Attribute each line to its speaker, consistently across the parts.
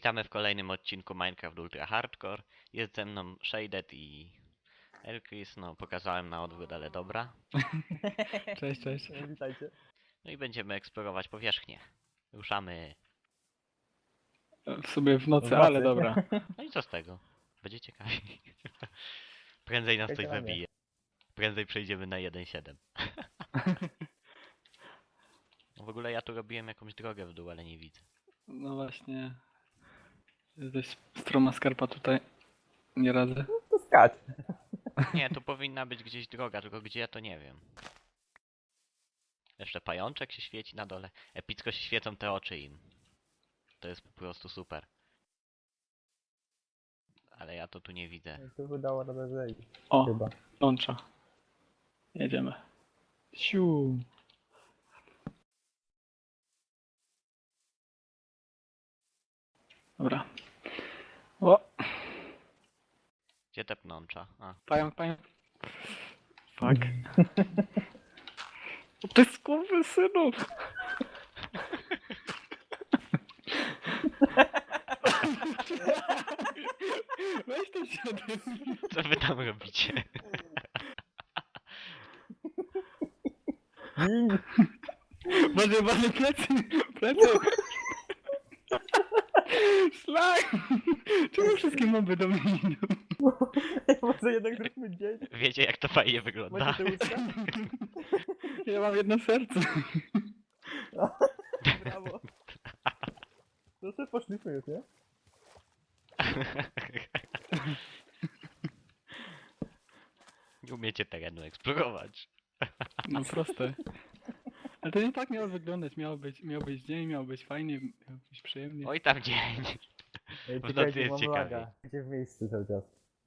Speaker 1: Witamy w kolejnym odcinku Minecraft Ultra Hardcore. Jest ze mną Shaded i Elkris. No, pokazałem na odwrót, ale dobra.
Speaker 2: Cześć, cześć.
Speaker 3: Witajcie.
Speaker 1: No i będziemy eksplorować powierzchnię. Ruszamy.
Speaker 2: W sumie w nocy,
Speaker 3: W
Speaker 2: ale
Speaker 3: nocy.
Speaker 2: dobra.
Speaker 1: No i co z tego? Będzie ciekawie. Prędzej nas coś
Speaker 3: Czekajcie na mnie.
Speaker 1: zabije. Prędzej przejdziemy na 1.7. W ogóle ja tu robiłem jakąś drogę w dół, ale nie widzę.
Speaker 2: No właśnie. Jest dość stroma skarpa tutaj. Nie radzę.
Speaker 3: To skacz.
Speaker 1: Nie, tu powinna być gdzieś droga, tylko gdzie to nie wiem. Jeszcze pajączek się świeci na dole. Epicko się świecą te oczy im. To jest po prostu super. Ale ja to tu nie widzę.
Speaker 3: Tu udało radę zejść.
Speaker 2: O,
Speaker 3: Chyba.
Speaker 2: łącza. Jedziemy. Siu. Dobra. O,
Speaker 1: Gdzie te pnącza? A,
Speaker 2: pająk. Fuck. O, ty skurwysynu! Weź to się odezwij.
Speaker 1: co wy tam robicie?
Speaker 3: Gin!
Speaker 2: Boże, plecy! Szlak! Czemu wszystkie moby do mnie idą?
Speaker 3: Może jednak zróbmy dzień.
Speaker 1: Wiecie jak to fajnie wygląda?
Speaker 3: Macie te łóżka?
Speaker 2: Ja mam jedno serce.
Speaker 3: Brawo. No sobie poszliśmy już, nie?
Speaker 1: Nie umiecie terenu eksplorować.
Speaker 2: No proste. Ale to nie tak miało wyglądać. Miał być dzień, miał być fajnie, miał być przyjemnie.
Speaker 1: Oj tam dzień.
Speaker 3: Ej,
Speaker 1: W nocy
Speaker 3: czekajcie,
Speaker 1: jest
Speaker 3: mam
Speaker 1: ciekawiej.
Speaker 3: laga. Gdzie w miejscu cały czas.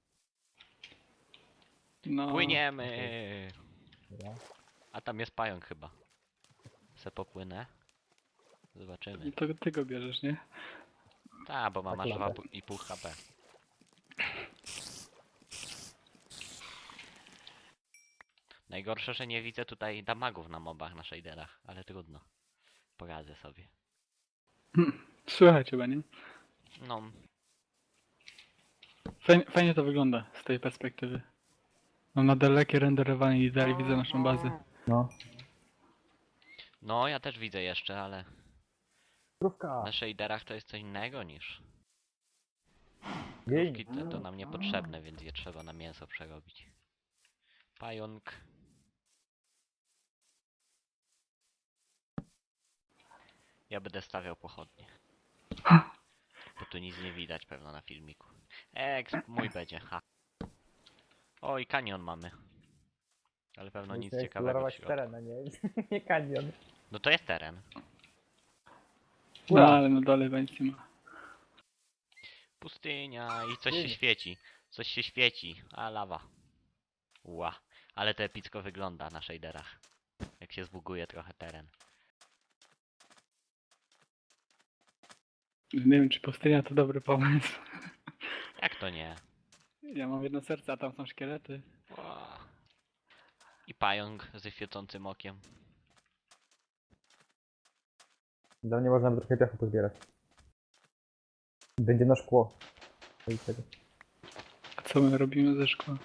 Speaker 2: No.
Speaker 1: Płyniemy.
Speaker 3: Dobra.
Speaker 1: A tam jest pająk chyba. Se popłynę. Zobaczymy.
Speaker 2: To ty go bierzesz, nie?
Speaker 1: Ta, bo mam
Speaker 3: Tak
Speaker 1: aż
Speaker 3: laga.
Speaker 1: 2,5 HP. Najgorsze, że nie widzę tutaj damagów na mobach, na shaderach, ale trudno. Poradzę sobie.
Speaker 2: Słychać chyba, nie?
Speaker 1: No,
Speaker 2: Fajnie to wygląda z tej perspektywy. Mam na dalekie renderowanie i dalej widzę naszą bazę.
Speaker 3: No.
Speaker 1: no ja też widzę jeszcze, ale
Speaker 3: Krówka.
Speaker 1: na shaderach to jest co innego niż...
Speaker 3: Gin.
Speaker 1: Krówki to nam niepotrzebne, więc je trzeba na mięso przerobić. Pająk. Ja będę stawiał pochodnie. Bo tu nic nie widać pewno na filmiku. Mój będzie, ha. Oj, kanion mamy. Ale pewno nic
Speaker 3: Musimy
Speaker 1: ciekawego w
Speaker 3: eksplorować
Speaker 1: środku.
Speaker 3: teren, a nie, nie kanion.
Speaker 1: No to jest teren.
Speaker 2: No ale na dole będzie ma.
Speaker 1: Pustynia i coś się
Speaker 3: Pięknie.
Speaker 1: świeci. Coś się świeci. A lawa. Ła. Ale to epicko wygląda na shaderach. Jak się zbuguje trochę teren.
Speaker 2: Nie wiem, czy pustynia to dobry pomysł.
Speaker 1: Jak to nie?
Speaker 2: Ja mam jedno serce, a tam są szkielety.
Speaker 1: Ła. I pająk ze świecącym okiem.
Speaker 3: Dla mnie można by trochę piachu pozbierać. Będzie na szkło. Oj, tego.
Speaker 2: A co my robimy ze szkła?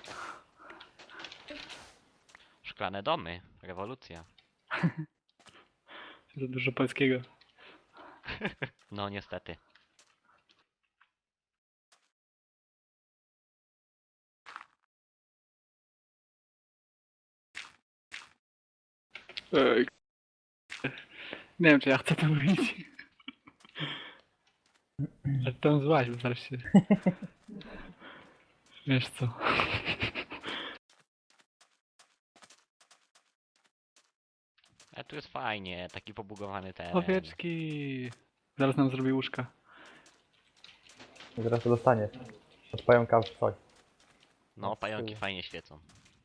Speaker 1: Szklane domy. Rewolucja.
Speaker 2: Za dużo polskiego.
Speaker 1: No niestety.
Speaker 2: Ej. Nie wiem, czy ja chcę to mówić. Ale tam złaś, bo zaraz się... Wiesz co?
Speaker 1: Ale tu jest fajnie, taki pobugowany teren.
Speaker 2: Owieczki! Zaraz nam zrobi łóżka.
Speaker 3: Zaraz to dostanie. Od pająka w coś.
Speaker 1: No,
Speaker 3: z
Speaker 1: pająki
Speaker 3: tyłu.
Speaker 1: fajnie świecą.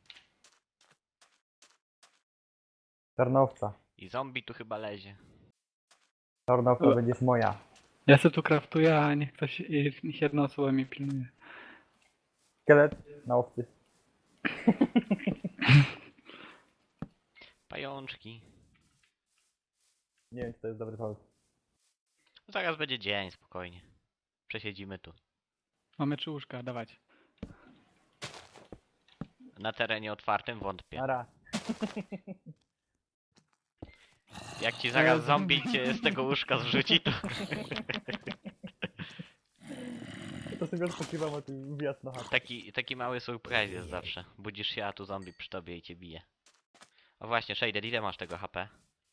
Speaker 3: Czarnowca.
Speaker 1: I zombie tu chyba lezie.
Speaker 3: Czarnowca
Speaker 2: O.
Speaker 3: będziesz moja.
Speaker 2: Ja se tu kraftuję, a niech ktoś, niech jedna osoba mnie pilnuje.
Speaker 3: Szkielet na owcy.
Speaker 1: Pajączki.
Speaker 3: Nie wiem, czy to jest dobry pomysł.
Speaker 1: Zaraz będzie dzień, spokojnie. Przesiedzimy tu.
Speaker 2: Mamy 3 łóżka, dawać.
Speaker 1: Na terenie otwartym wątpię.
Speaker 3: Nara.
Speaker 1: Jak ci zaraz
Speaker 2: Jezu.
Speaker 1: zombie cię z tego łóżka zrzuci, to...
Speaker 3: To sobie odpoczywam, a ty wbijasz na chatę.
Speaker 1: Taki mały surprise jest zawsze. Budzisz się, a tu zombie przy tobie i cię bije. O właśnie, Shader, ile masz tego HP?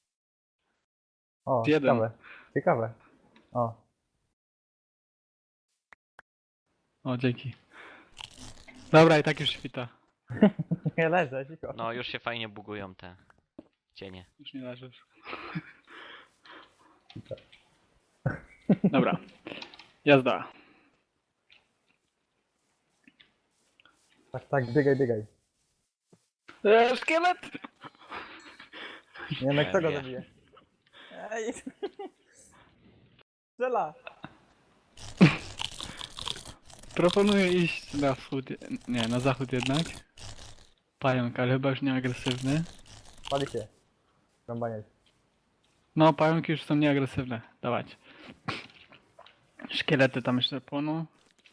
Speaker 3: O,
Speaker 2: 1.
Speaker 3: ciekawe. Ciekawe. O,
Speaker 2: O, dzięki. Dobra, i tak już świta.
Speaker 3: nie leżę, cicho.
Speaker 1: No, już się fajnie bugują te cienie.
Speaker 2: Już nie leżysz. Dobra. Jazda.
Speaker 3: Tak, tak, biegaj, biegaj.
Speaker 2: Szkielet!
Speaker 3: Nie wiem, kto go
Speaker 1: Wie.
Speaker 3: zabije. Ej! Strzela!
Speaker 2: Proponuję iść na wschód, nie, na zachód jednak. Pająk, ale chyba już nie agresywny.
Speaker 3: Pali się. Rąbaniec.
Speaker 2: No, pająki już są nieagresywne. Dawać. Szkielety tam jeszcze płoną.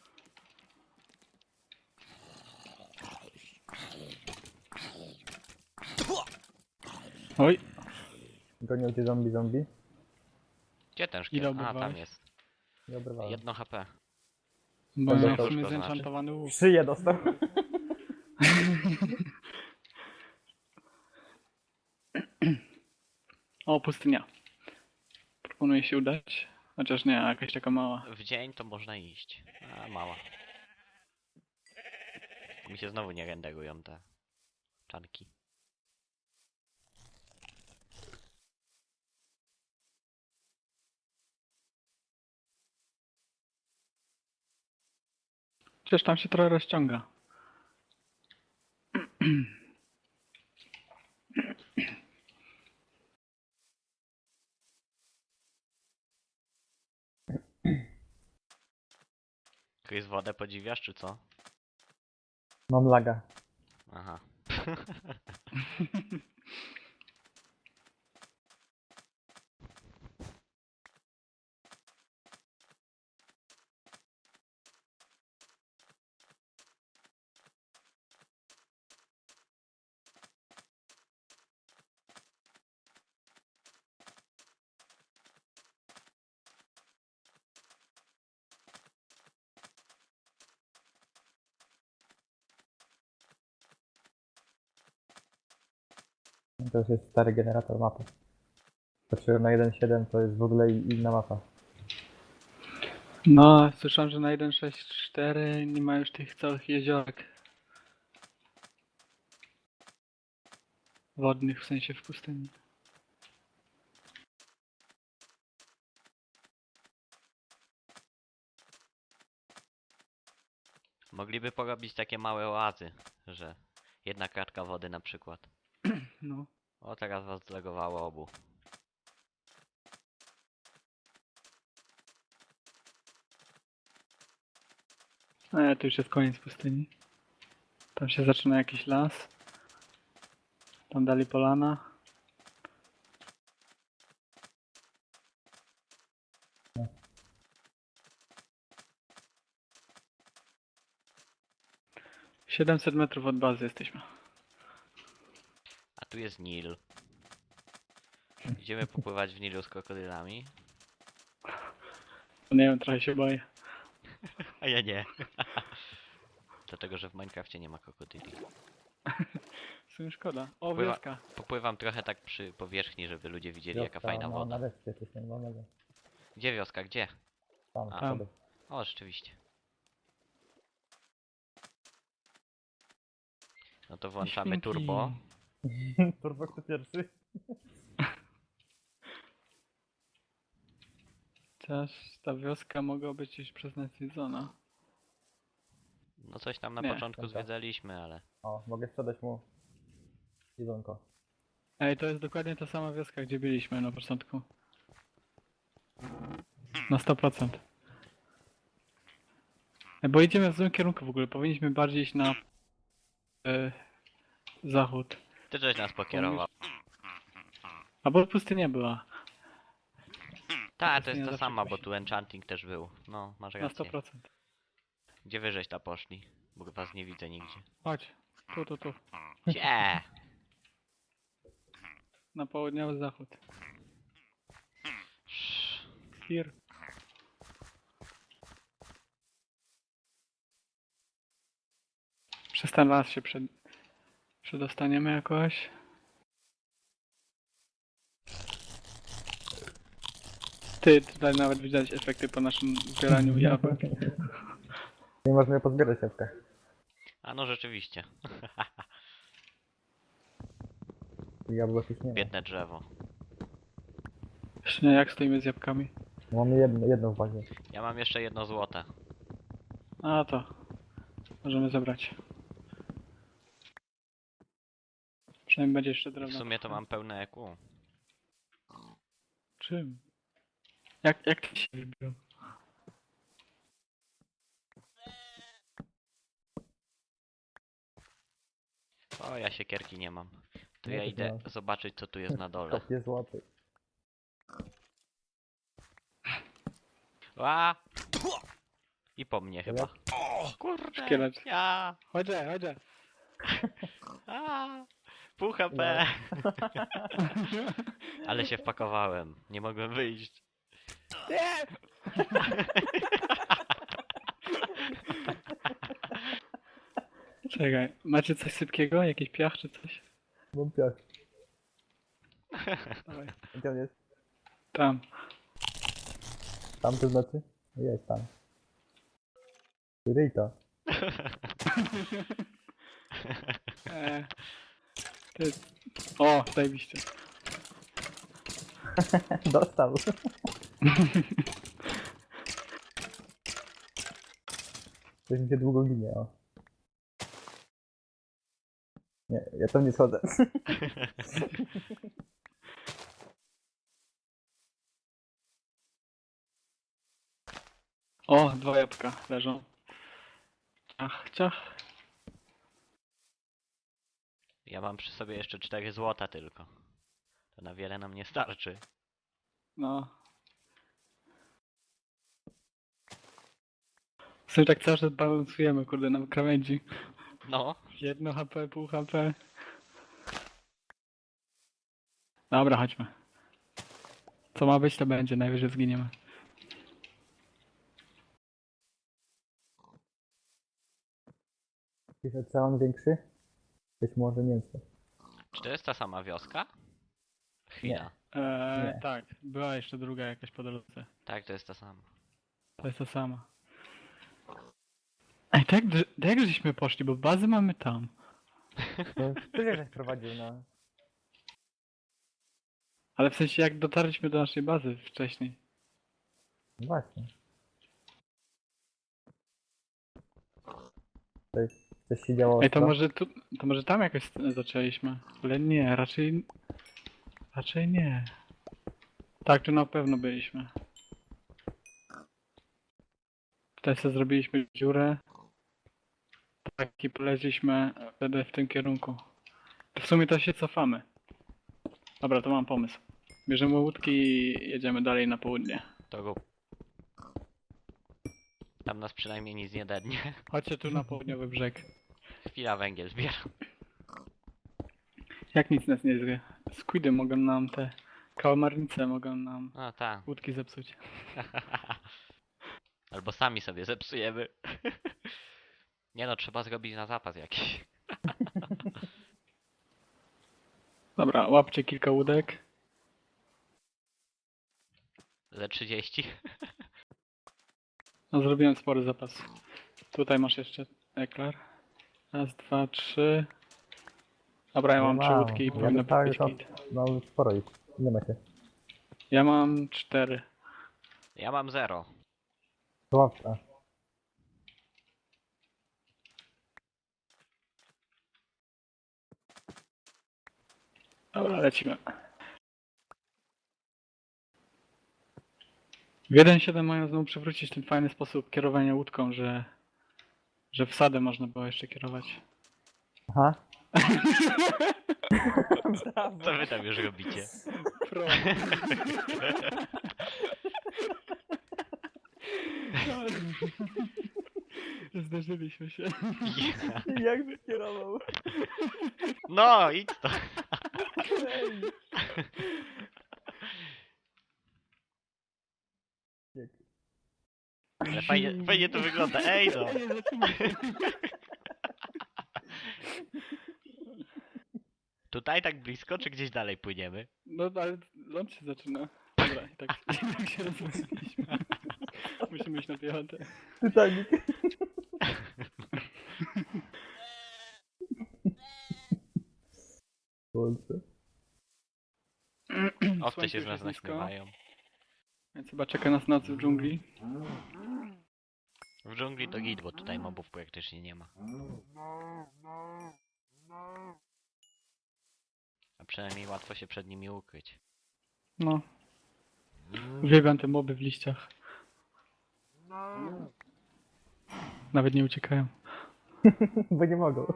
Speaker 2: Oj,
Speaker 3: Gonią cię zombie.
Speaker 1: Gdzie ten
Speaker 2: Ile
Speaker 1: szkielet? A, tam
Speaker 2: oberwałeś?
Speaker 1: jest.
Speaker 3: Nie obrywałem.
Speaker 1: 1 HP.
Speaker 2: bo
Speaker 3: Będę
Speaker 2: miał w
Speaker 3: to
Speaker 2: sumie
Speaker 1: już to znaczy.
Speaker 2: zenchantowany łuk.
Speaker 3: Szyję dostał.
Speaker 2: O, pustynia. Proponuję się udać. Chociaż nie, jakaś taka mała.
Speaker 1: W dzień to można iść. A, mała. Mi się znowu nie renderują te czanki.
Speaker 2: Przecież tam się trochę rozciąga.
Speaker 1: Chris, wodę podziwiasz, czy co?
Speaker 3: Mam laga.
Speaker 1: Aha.
Speaker 3: To już jest stary generator mapy. Patrzyłem na 1.7, to jest w ogóle inna mapa.
Speaker 2: No, słyszałem, że na 1.6.4 nie ma już tych całych jeziorek. Wodnych, w sensie w pustyni.
Speaker 1: Mogliby porobić takie małe oazy, że jedna kratka wody na przykład.
Speaker 2: No.
Speaker 1: O, teraz was zlegowało obu.
Speaker 2: To już jest koniec pustyni. Tam się zaczyna jakiś las. Tam dalej polana.
Speaker 3: No.
Speaker 2: 700 metrów od bazy jesteśmy.
Speaker 1: A tu jest Nil. Idziemy popływać w Nilu z krokodylami.
Speaker 2: Nie wiem, trochę się boję.
Speaker 1: A ja nie. Dlatego, że w Minecrafcie nie ma krokodyli.
Speaker 2: W sumie szkoda. O,
Speaker 1: Pływa-
Speaker 2: wioska.
Speaker 1: Popływam trochę tak przy powierzchni, żeby ludzie widzieli jaka fajna
Speaker 3: no,
Speaker 1: woda.
Speaker 3: na wyspie jesteśmy, no mega.
Speaker 1: Gdzie wioska? Gdzie?
Speaker 3: Tam,
Speaker 1: A.
Speaker 3: tam.
Speaker 1: O, rzeczywiście. No to włączamy
Speaker 2: Świnki.
Speaker 1: turbo.
Speaker 3: Turbo kto pierwszy?
Speaker 2: Chociaż ta wioska mogła być już przeznaczona.
Speaker 1: No coś tam na
Speaker 2: Nie,
Speaker 1: początku
Speaker 3: dobra.
Speaker 1: zwiedzaliśmy, ale...
Speaker 3: O, mogę sprzedać mu jedzonko.
Speaker 2: Ej, to jest dokładnie ta sama wioska, gdzie byliśmy na początku. Na 100%. Bo idziemy w złym kierunku w ogóle. Powinniśmy bardziej iść na zachód.
Speaker 1: Ty żeś nas pokierował.
Speaker 2: Albo pustynia była.
Speaker 1: Tak, to
Speaker 2: pustynia
Speaker 1: jest ta
Speaker 2: zawsze
Speaker 1: sama, bo
Speaker 2: kusi.
Speaker 1: tu enchanting też był. No, masz
Speaker 2: Na
Speaker 1: rację.
Speaker 2: 100%.
Speaker 1: Gdzie wy żeś ta poszli? Bo was nie widzę nigdzie.
Speaker 2: Chodź. Tu.
Speaker 1: Gdzie?
Speaker 2: Na południowy zachód. Here. Przez ten las się przedostaniemy jakoś. Ty, tutaj nawet widać efekty po naszym zbieraniu jabłek.
Speaker 3: Nie można pozbierać jabłka.
Speaker 1: A no rzeczywiście.
Speaker 3: Jabłek już nie ma.
Speaker 1: Biedne drzewo.
Speaker 2: Właśnie jak stoimy z jabłkami?
Speaker 3: Mamy jedno w bazie.
Speaker 1: Ja mam jeszcze 1 złote.
Speaker 2: A to. Możemy zebrać. Przynajmniej będzie jeszcze
Speaker 1: I w
Speaker 2: drewno.
Speaker 1: sumie to mam pełne EQ.
Speaker 2: Czym? Jak ty się wybił?
Speaker 1: O, ja siekierki nie mam. To
Speaker 3: Nie,
Speaker 1: ja
Speaker 3: to
Speaker 1: idę
Speaker 3: mam.
Speaker 1: zobaczyć, co tu jest na dole.
Speaker 3: Kopie złoty.
Speaker 1: A! I po mnie chyba. Kurde!
Speaker 2: Szkielet.
Speaker 1: Ja!
Speaker 2: Chodź.
Speaker 1: A! Pół HP! Ale się wpakowałem. Nie mogłem wyjść.
Speaker 2: Nie! Czekaj, macie coś sypkiego? Jakiś piach czy coś?
Speaker 3: Mam piach.
Speaker 2: Dawaj.
Speaker 3: Gdzie on jest?
Speaker 2: Tam.
Speaker 3: Tam to znaczy? Jest tam. Ryj to.
Speaker 2: Ty. O, zajebiście.
Speaker 3: Dostał. Coś mi się długo ginie, o. Nie, ja tam nie schodzę.
Speaker 2: O, 2 jabłka leżą. Ciach.
Speaker 1: Ja mam przy sobie jeszcze 4 złota tylko. To na wiele nam nie starczy.
Speaker 2: No. W sumie tak cały czas balansujemy, kurde, na krawędzi.
Speaker 1: No,
Speaker 2: 1 HP, pół HP. Dobra, chodźmy. Co ma być, to będzie, najwyżej zginiemy.
Speaker 3: Jakiś ocean większy? Być może mięso.
Speaker 1: czy to jest ta sama wioska? Chwila.
Speaker 3: Nie.
Speaker 2: Tak, była jeszcze druga jakaś po drodze.
Speaker 1: Tak, to jest ta sama.
Speaker 2: To jest ta sama. Ej, tak jak żeśmy poszli, bo bazy mamy tam.
Speaker 3: No, ty żeś prowadził na...
Speaker 2: Ale w sensie jak dotarliśmy do naszej bazy wcześniej.
Speaker 3: No właśnie. Coś się działo
Speaker 2: Ej, to
Speaker 3: ostro?
Speaker 2: może tam jakoś zaczęliśmy. Ale nie, raczej nie. Tak, tu na pewno byliśmy. Tutaj sobie zrobiliśmy dziurę. Tak i poleźliśmy wtedy w tym kierunku. To w sumie to się cofamy. Dobra, to mam pomysł. Bierzemy łódki i jedziemy dalej na południe.
Speaker 1: To go... Tam nas przynajmniej nic nie dednie.
Speaker 2: Chodźcie tu na południowy brzeg.
Speaker 1: Chwila, węgiel zbieram.
Speaker 2: Jak nic nas nie zwie. Squidy mogą nam te... Kałamarnice mogą nam
Speaker 1: No tak.
Speaker 2: łódki zepsuć.
Speaker 1: Albo sami sobie zepsujemy. Nie no, trzeba zrobić na zapas jakiś.
Speaker 2: Dobra, łapcie kilka łódek.
Speaker 1: Ze 30.
Speaker 2: No zrobiłem spory zapas. Tutaj masz jeszcze eklar. Raz, 2, 3. Dobra, ja mam 3 łódki i powinno
Speaker 3: dostałem
Speaker 2: być
Speaker 3: to,
Speaker 2: git.
Speaker 3: no sporo ich. Ile macie?
Speaker 2: Ja mam 4.
Speaker 1: Ja mam 0.
Speaker 3: To łapka.
Speaker 2: Dobra, lecimy. W 1.7 mają znowu przywrócić ten fajny sposób kierowania łódką, że wsadę można było jeszcze kierować.
Speaker 3: Aha. Brawo.
Speaker 1: Co wy tam już robicie?
Speaker 2: Pro. Zdarzyliśmy się.
Speaker 1: Ja.
Speaker 3: Jak wykierował.
Speaker 1: No, idź to.
Speaker 3: Ej. Jak-
Speaker 1: Ale fajnie to wygląda. Ej no.
Speaker 2: Ej, zatrzymaj się.
Speaker 1: Tutaj tak blisko, czy gdzieś dalej płyniemy?
Speaker 2: No ale ląd się zaczyna. Dobra, i tak się rozmawialiśmy. Musimy iść na piechotę.
Speaker 3: Titanic. Boże.
Speaker 1: Owce się
Speaker 2: Słońce
Speaker 1: z nas
Speaker 2: już jest nisko,
Speaker 1: naśmiewają.
Speaker 2: więc chyba czeka nas noc w dżungli.
Speaker 1: W dżungli to git, bo tutaj mobów praktycznie nie ma. A przynajmniej łatwo się przed nimi ukryć.
Speaker 2: No. Uwielbiam te moby w liściach. Nawet nie uciekają.
Speaker 3: Bo nie mogą.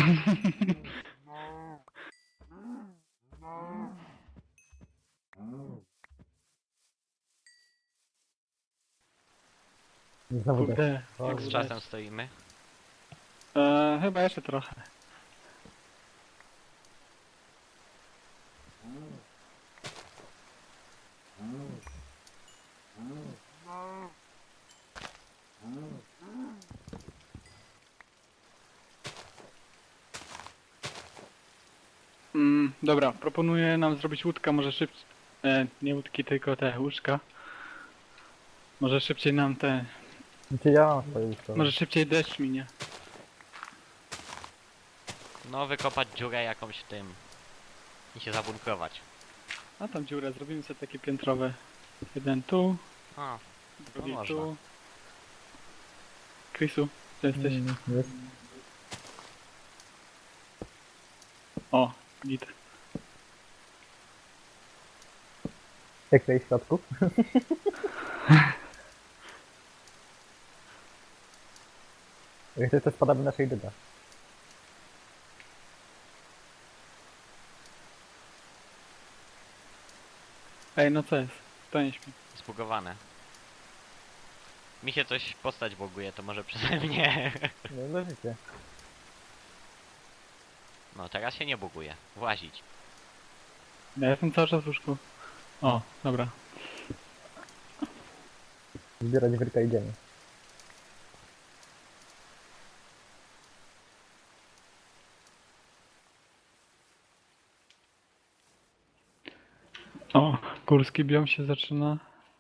Speaker 3: Znowu tak.
Speaker 2: Kurde.
Speaker 1: Jak z czasem stoimy?
Speaker 2: Chyba jeszcze trochę. Dobra, proponuję nam zrobić łódkę, może szybciej. Nie łódki, tylko te łóżka. Może szybciej nam te.
Speaker 3: Znaczy ja mam swoje ustawę.
Speaker 2: Może szybciej deszcz minie.
Speaker 1: No, wykopać dziurę jakąś w tym. I się zabunkrować.
Speaker 2: A tam dziurę, zrobimy sobie takie piętrowe. Jeden tu,
Speaker 1: A,
Speaker 2: drugi
Speaker 1: można.
Speaker 2: tu. Chrisu, gdzie jesteś?
Speaker 3: Jest.
Speaker 2: O, git.
Speaker 3: Jak tutaj w środku? Jak to spadamy naszej dyda.
Speaker 2: Ej, no co jest? To nie śpi.
Speaker 1: Zbugowane. Mi się coś postać buguje, to może przeze mnie.
Speaker 3: No leżycie.
Speaker 1: No, teraz się nie buguje. Włazić.
Speaker 2: Ja jestem cały czas w łóżku. O, dobra.
Speaker 3: Zbierać wyrka idziemy.
Speaker 2: O, górski biom się zaczyna.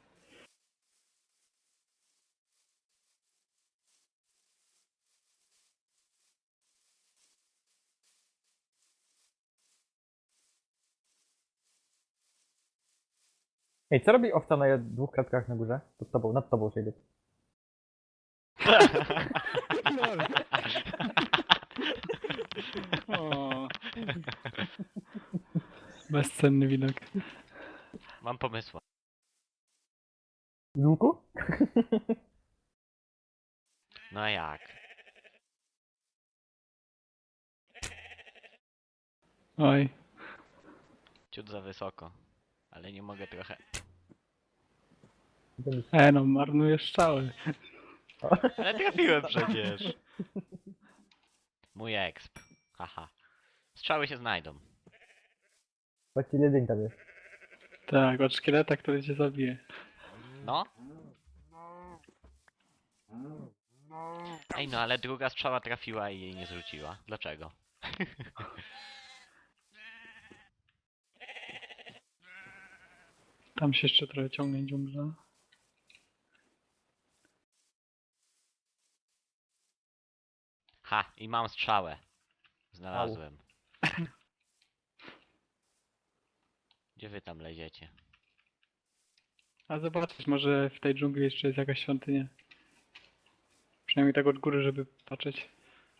Speaker 3: Ej, co robi owca na dwóch klatkach na górze? Pod tobą, nad tobą siedzi.
Speaker 2: O. Bezcenny widok.
Speaker 1: Mam pomysł.
Speaker 3: Z łuku?
Speaker 1: No a jak?
Speaker 2: Oj.
Speaker 1: Ciut za wysoko. Ale nie mogę trochę.
Speaker 2: No, marnujesz strzały.
Speaker 1: Ale trafiłem przecież. Mój exp. Haha. Strzały się znajdą.
Speaker 3: Właściwie jedyń tam jest.
Speaker 2: Tak, od szkieleta, który cię zabije.
Speaker 1: No. Ej, no ale druga strzała trafiła i jej nie zrzuciła. Dlaczego?
Speaker 2: Tam się jeszcze trochę ciągnie dżungla.
Speaker 1: Ha, i mam strzałę. Znalazłem. Gdzie wy tam leziecie?
Speaker 2: A zobaczysz, może w tej dżungli jeszcze jest jakaś świątynia. Przynajmniej tak od góry, żeby patrzeć.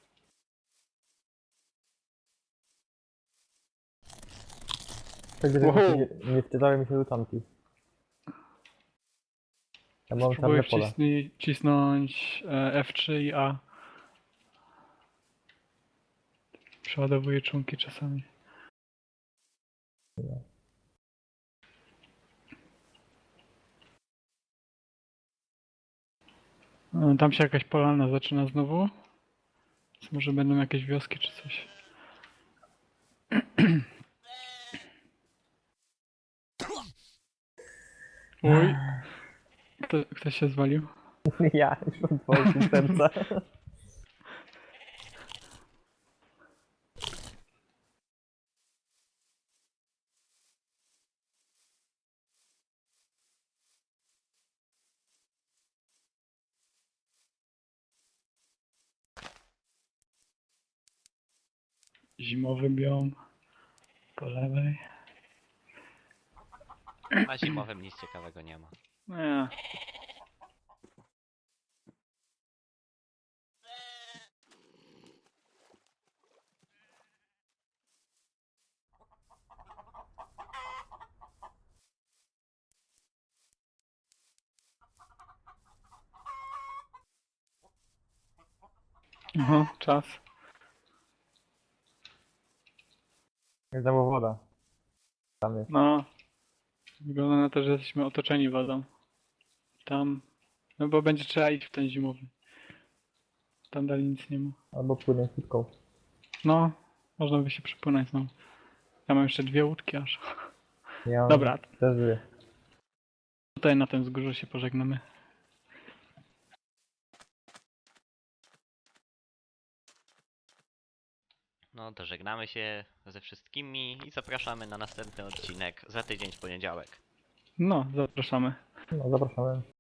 Speaker 3: Tak, że
Speaker 2: Wow.
Speaker 3: nie wczytały mi się lutanki. Ja mam
Speaker 2: Spróbuję
Speaker 3: czarne pola.
Speaker 2: wcisnąć F3 i A. Przeładowuję członki czasami. Tam się jakaś polana zaczyna znowu. Więc może będą jakieś wioski czy coś. Uj. Ktoś się zwalił?
Speaker 3: Ja już mam dwoje serca.
Speaker 2: Zimowy biom. Po lewej.
Speaker 1: Na zimowym nic ciekawego nie ma.
Speaker 2: Nie. Aha, czas.
Speaker 3: Znowu woda. Tam jest.
Speaker 2: No. Wygląda na to, że jesteśmy otoczeni wodą. Tam. No bo będzie trzeba iść w ten zimowy. Tam dalej nic nie ma.
Speaker 3: Albo płynę szybką.
Speaker 2: No. Można by się przypłynąć znowu. Ja mam jeszcze 2 łódki aż.
Speaker 3: Ja mam
Speaker 2: Dobra.
Speaker 3: też dwie.
Speaker 2: Tutaj na tym wzgórzu się pożegnamy.
Speaker 1: No to żegnamy się ze wszystkimi i zapraszamy na następny odcinek za tydzień w poniedziałek.
Speaker 2: No, zapraszamy.
Speaker 3: No, zapraszamy.